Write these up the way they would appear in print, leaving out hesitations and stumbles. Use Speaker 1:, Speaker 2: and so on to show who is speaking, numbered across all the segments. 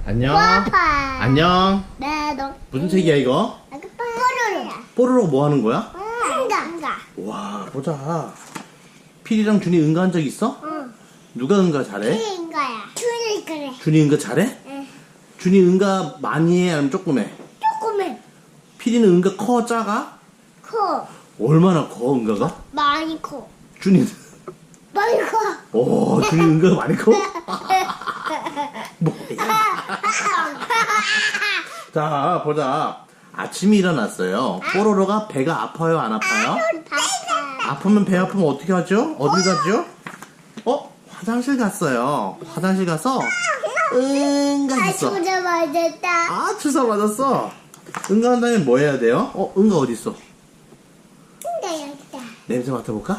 Speaker 1: 안녕.
Speaker 2: 아빠.
Speaker 1: 안녕.
Speaker 2: 네, 너.
Speaker 1: 무슨 책이야 이거?
Speaker 2: 뽀로로.
Speaker 1: 뽀로로 뭐 하는 거야?
Speaker 2: 응가.
Speaker 1: 와 보자. 필이랑 준이 응가한 적 있어?
Speaker 2: 응.
Speaker 1: 누가 응가 잘해?
Speaker 2: 그인 거야. 줄이 그래.
Speaker 1: 준이 응가 잘해?
Speaker 2: 응.
Speaker 1: 준이 응가 많이 해 아니면 조금 해?
Speaker 2: 조금은
Speaker 1: 필이는 응가 커 작아?
Speaker 2: 커.
Speaker 1: 얼마나 커 응가가?
Speaker 2: 많이 커.
Speaker 1: 준이는
Speaker 2: 많이 커.
Speaker 1: 오 준이 응가가 많이 커? 뭐야? 자 보자. 아침에 일어났어요. 뽀로로가 배가 아파요 안 아파요? 아프면 배 아프면 어떻게 하죠? 어디 가죠? 화장실 갔어요. 화장실 가서 응가했어.
Speaker 2: 주자 맞았다.
Speaker 1: 아 주사 맞았어. 응가한 다음에 뭐 해야 돼요? 응가 어디 있어?
Speaker 2: 응가 여기다.
Speaker 1: 냄새 맡아볼까?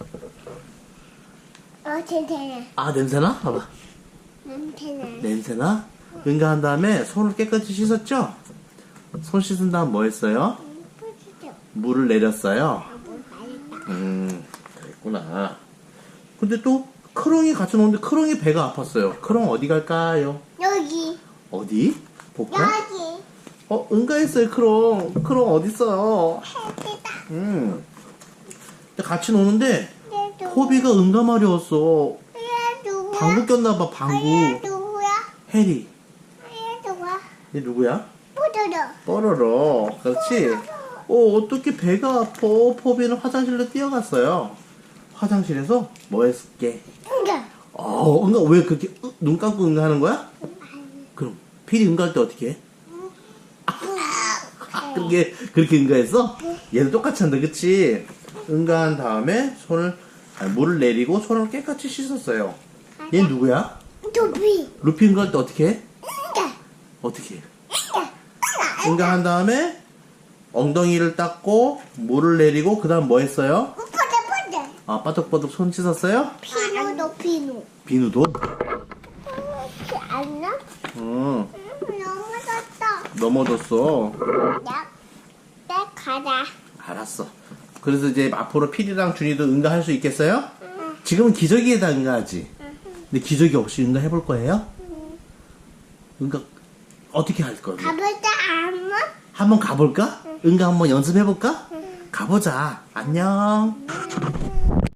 Speaker 2: 괜찮아.
Speaker 1: 아 냄새나? 봐봐.
Speaker 2: 괜찮아.
Speaker 1: 냄새나? 응가한 다음에 손을 깨끗이 씻었죠? 손 씻은 다음 뭐 했어요? 물을 내렸어요. 그랬구나. 근데 또 크롱이 같이 노는데 크롱이 배가 아팠어요. 크롱 어디 갈까요?
Speaker 2: 여기.
Speaker 1: 어디? 볼까?
Speaker 2: 여기.
Speaker 1: 응가했어요 크롱. 크롱 어딨어요? 근데 같이 노는데 호비가 응가 마려웠어.
Speaker 2: 얘 누구야?
Speaker 1: 방구 꼈나봐 방구.
Speaker 2: 얘 누구야?
Speaker 1: 해리.
Speaker 2: 얘 누구야?
Speaker 1: 얘 누구야?
Speaker 2: 뽀로로.
Speaker 1: 뽀로로. 그렇지? 어떻게 배가 아파? 포비는 화장실로 뛰어갔어요. 화장실에서 뭐 했을게?
Speaker 2: 응가.
Speaker 1: 응가 왜 그렇게 눈 감고 응가하는 거야? 그럼 필이 응가할 때 어떻게 해? 그렇게 응가했어? 얘도 똑같이 한다 그치? 응가한 다음에 물을 내리고 손을 깨끗이 씻었어요. 얘 누구야?
Speaker 2: 도비.
Speaker 1: 루피 응가할 때 어떻게 해?
Speaker 2: 응가.
Speaker 1: 어떻게 해? 응가한 다음에 엉덩이를 닦고 물을 내리고 그 다음 뭐 했어요?
Speaker 2: 뽀뽀.
Speaker 1: 빠덕빠덕 손 씻었어요?
Speaker 2: 비누도 비누.
Speaker 1: 비누도?
Speaker 2: 안 나?
Speaker 1: 응
Speaker 2: 넘어졌어.
Speaker 1: 넘어졌어.
Speaker 2: 내 가자.
Speaker 1: 알았어. 그래서 이제 앞으로 필이랑 준이도 응가할 수 있겠어요? 지금은 기저귀에다 응가하지. 근데 기저귀 없이 응가 해볼 거예요? 응가 어떻게 할 거예요?
Speaker 2: 가볼까 한번?
Speaker 1: 한번 가볼까? 응가 한번 연습해볼까? 가보자. 안녕.